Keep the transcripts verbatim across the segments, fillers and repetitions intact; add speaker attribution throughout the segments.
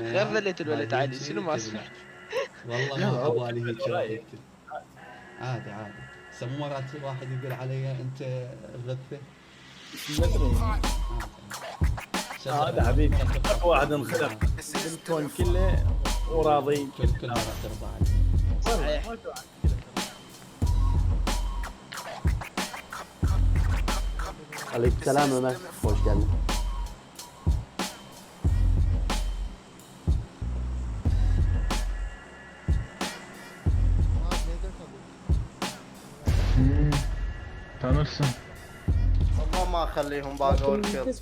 Speaker 1: غير ذلة الولد عادي شنو ما اسمع.
Speaker 2: والله ما ابالي هيك رايك. عادي عادي. سمو مرات واحد يقول علي انت غثه.
Speaker 3: هذا حبيبي واحد انخلق بالكون كله وراضي
Speaker 2: كل كل مرة ترضى عليه.
Speaker 1: صحيح.
Speaker 4: عليك السلام Ömer. Hoş geldin.
Speaker 5: Tanırsın.
Speaker 6: والله ما اخليهم باقي وركض.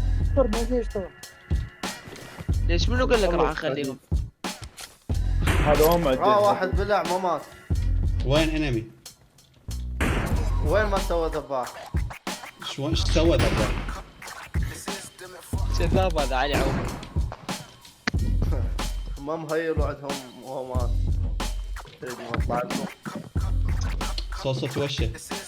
Speaker 1: ليش منو قال لك راح نخليهم؟
Speaker 3: هذا هم
Speaker 6: اه واحد بلع ما مات.
Speaker 2: وين انمي؟
Speaker 6: وين ما سوى ذباح؟
Speaker 2: شو ايش سوى ذا؟
Speaker 1: شذاب هذا علي عوض.
Speaker 6: ما مهيل وعدهم وهو مات. تدري ما طلع لكم.
Speaker 2: صوصة وشه.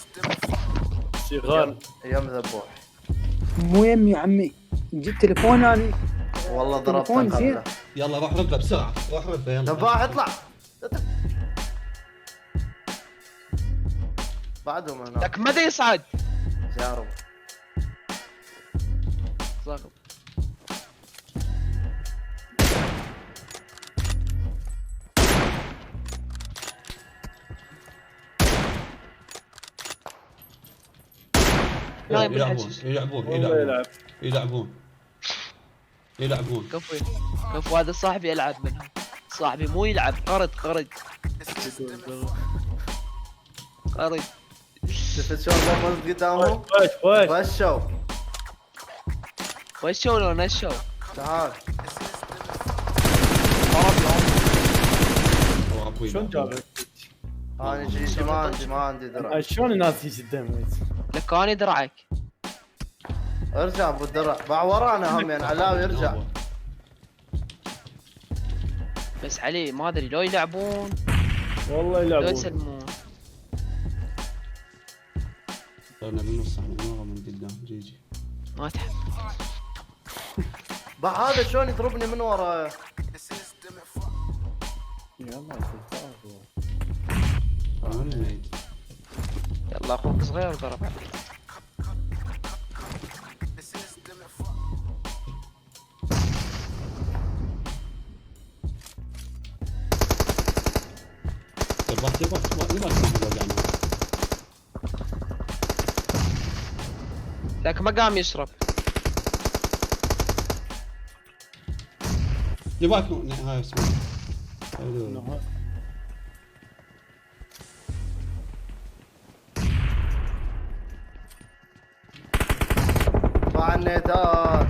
Speaker 3: شغال
Speaker 6: ايام ذبوح.
Speaker 7: مو يمي يا عمي جبت تليفون انا
Speaker 6: والله ضربت
Speaker 7: تليفون زين.
Speaker 6: قبله.
Speaker 2: يلا روح ربه بسرعة روح ربه يلا.
Speaker 6: ذباح اطلع. بعدهم هنا.
Speaker 1: لك متى يصعد؟
Speaker 6: جارب.
Speaker 1: ضغط. نايم
Speaker 2: يلعبون
Speaker 1: بالحجز.
Speaker 2: يلعبون
Speaker 3: والله
Speaker 2: يلعبون
Speaker 3: يلعب
Speaker 2: يلعبون يلعبون.
Speaker 1: كفو كفو هذا صاحبي يلعب منهم. صاحبي مو يلعب قرد قرد قرد.
Speaker 6: شفت شلون قفزت قدامهم؟
Speaker 3: وش وش
Speaker 6: فشوا.
Speaker 1: وشوا لو نشوا.
Speaker 6: تعال.
Speaker 3: شلون جابك؟
Speaker 6: انا جيتي ما عندي ما عندي درع.
Speaker 3: شلون الناس يجي قدامك؟
Speaker 1: لك انا درعك.
Speaker 6: ارجع ابو الدرع باع ورانا هم يعني علاوي يرجع.
Speaker 1: بس علي ما ادري لو يلعبون
Speaker 3: والله
Speaker 1: لو
Speaker 3: يلعبون
Speaker 1: يسلمون.
Speaker 2: صرنا بالنص احنا مرة من قدام جيجي.
Speaker 1: ما تحب.
Speaker 6: باع هذا شلون يضربني من ورايا.
Speaker 3: يلا
Speaker 2: وين النيد؟
Speaker 1: يلا اخوك صغير ضرب عليك.
Speaker 2: تبغى تبغى تبغى تبغى
Speaker 1: لك ما قام يشرب.
Speaker 2: يبغاك هاي اسمه.
Speaker 6: باع النيدات.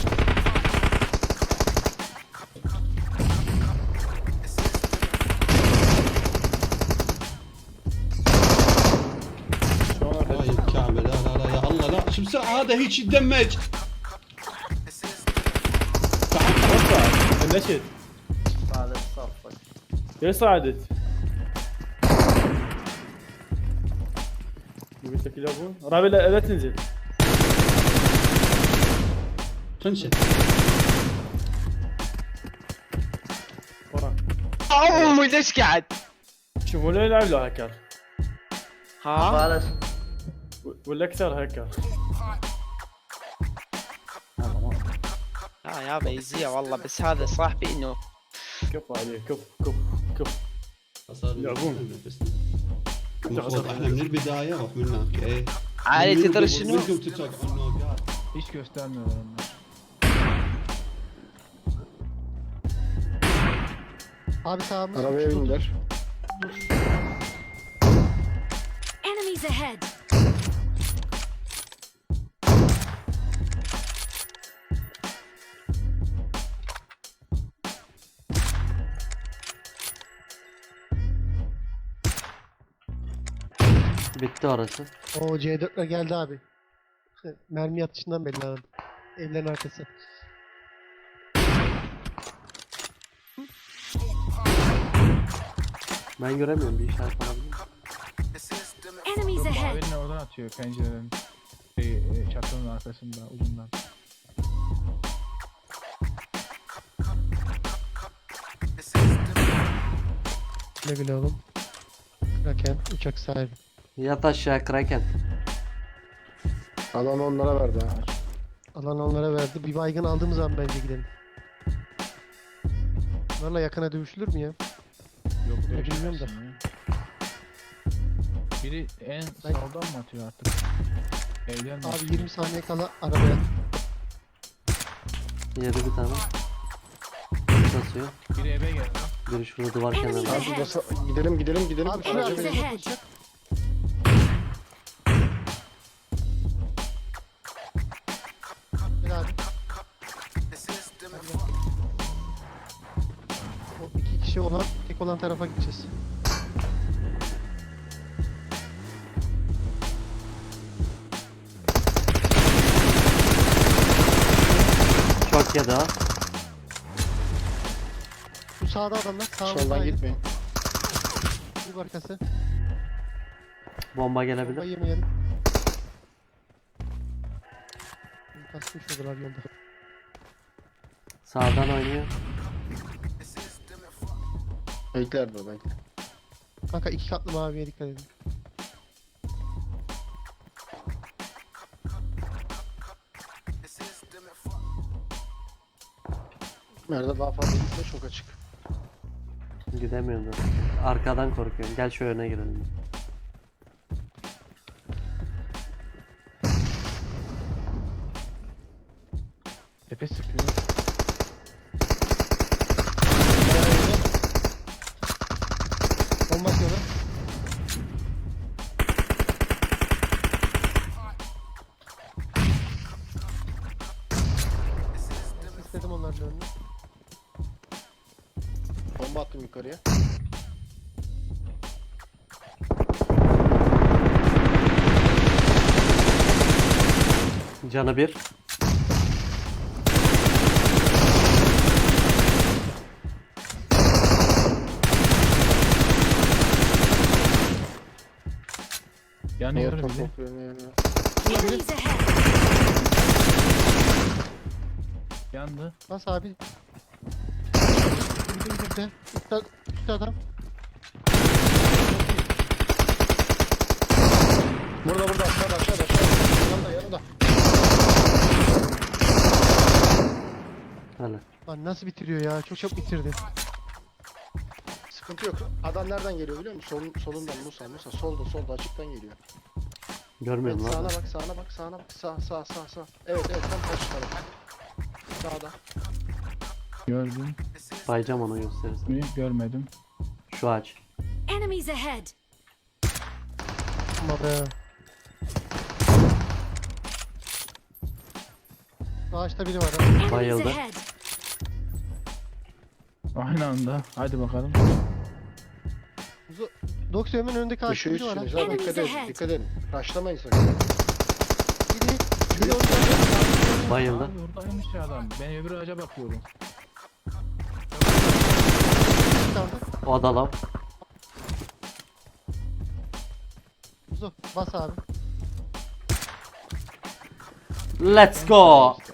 Speaker 2: هاي الكعبة لا لا لا يا الله لا شو بسرعة هذا هيك يتدمج.
Speaker 3: نشد
Speaker 6: هذا صفك.
Speaker 3: ليش صعدت؟ قلت لك يلعبون رابي لا, لا تنزل
Speaker 2: تنشد.
Speaker 3: وراك
Speaker 1: اوه ليش قاعد؟
Speaker 3: شوفوا لا يلعب له هكر
Speaker 1: ها؟
Speaker 6: بلاش.
Speaker 3: ولا اكثر هكر
Speaker 1: لا يابا يزيع والله بس هذا صاحبي انه
Speaker 3: كف عليه كف كف كف يلعبون.
Speaker 2: المفروض احنا من البداية روح من هناك ايه.
Speaker 1: علي تدري شنو؟
Speaker 2: منكم تتوقعون النوقات.
Speaker 5: Hiç göstermiyorlar onlar.
Speaker 8: Abi sağımız.
Speaker 3: Arabaya bindiler.
Speaker 9: Enemies ahead.
Speaker 4: Bitti orası.
Speaker 8: O C dörtler geldi abi. Mermi atışından belli abi. Evlerin arkası.
Speaker 4: Ben göremiyorum bir işaret alabilir miyim?
Speaker 9: Enemies ahead.
Speaker 5: Mavi'nin oradan atıyor pencerenin. Şey, e, çatının arkasında ucundan.
Speaker 8: Güle güle oğlum. Kraken uçak sahibi.
Speaker 4: Yat aşağı Kraken.
Speaker 3: Alan onlara verdi ha.
Speaker 8: Alan onlara verdi. Bir baygın aldığımız zaman bence gidelim. Bunlarla yakına dövüşülür mü ya?
Speaker 5: Yok
Speaker 8: Bunu
Speaker 5: dövüşemezsin
Speaker 8: bilmiyorum da.
Speaker 5: ya. Biri en
Speaker 8: Ben-
Speaker 5: sağdan mı atıyor artık? Evden mi?
Speaker 8: Abi yirmi saniye kala arabaya.
Speaker 4: Yedi bir tane. Basıyor.
Speaker 5: Biri eve geldi.
Speaker 4: Biri şurada duvar
Speaker 9: Enemies
Speaker 4: kenarında.
Speaker 3: Abi
Speaker 9: ahead.
Speaker 3: basa gidelim gidelim gidelim.
Speaker 8: Abi şuraya
Speaker 3: Araca
Speaker 9: Enemies
Speaker 3: bin.
Speaker 8: atlayalım.
Speaker 9: ahead.
Speaker 8: Gel abi. O iki kişi olan, tek olan tarafa gideceğiz.
Speaker 4: Çok yedi ha.
Speaker 8: Bu sağda adamlar. Sağda
Speaker 3: Soldan gitmeyin.
Speaker 8: Bu arkası.
Speaker 4: Bomba
Speaker 8: Bomba
Speaker 4: gelebilir.
Speaker 8: yemeyelim. Kasmış oldular yolda.
Speaker 4: Sağdan oynuyor.
Speaker 3: Bekler de bekle.
Speaker 8: Kanka iki katlı maviye dikkat edin.
Speaker 3: Nerede daha fazla gitme çok açık.
Speaker 4: Gidemiyorum da. Arkadan korkuyorum. Gel şu öne girelim.
Speaker 5: Tepe sıkıyor.
Speaker 8: Bomba atıyorlar. İstedim onların önüne.
Speaker 3: Bomba attım yukarıya.
Speaker 4: Canı bir.
Speaker 5: Yanıyor
Speaker 3: Top
Speaker 5: biri.
Speaker 3: topluyor yani.
Speaker 9: Enemies ahead.
Speaker 5: Yandı.
Speaker 8: Bas abi. Gidim gidim. Üstte, üstte adam.
Speaker 3: Burada burada aşağıda aşağıda aşağıda. Yanında yanında.
Speaker 4: Öyle.
Speaker 8: Lan nasıl bitiriyor ya? Çok çok bitirdi.
Speaker 3: Sıkıntı yok. Adam nereden geliyor biliyor musun? Solun, solundan Musa Musa solda solda açıktan geliyor.
Speaker 4: Görmüyorum
Speaker 3: Evet,
Speaker 4: lan.
Speaker 3: sağına bak sağına bak sağına bak sağ sağ sağ sağ. Evet evet tam karşı taraf. Sağda.
Speaker 5: Gördüm.
Speaker 4: Bayacağım onu gösterirsin.
Speaker 5: Mi? Görmedim.
Speaker 4: Şu ağaç.
Speaker 9: Enemies ahead.
Speaker 8: Ama be. Ağaçta biri var ha.
Speaker 9: Enemies
Speaker 4: Bayıldı.
Speaker 9: ahead.
Speaker 5: Aynı anda. Hadi bakalım.
Speaker 8: Doksiyonun önündeki ağaçta
Speaker 3: Dışı
Speaker 8: biri var ha.
Speaker 3: üstünüz abi
Speaker 9: Enemies
Speaker 3: dikkat edin
Speaker 9: ahead.
Speaker 3: dikkat edin. Raşlamayın sakın.
Speaker 8: Biri, biri orada.
Speaker 4: Bayıldı.
Speaker 5: Abi oradaymış ya adam. Ben öbür ağaca bakıyorum.
Speaker 4: O da lav.
Speaker 8: Muzo bas abi.
Speaker 4: Let's go.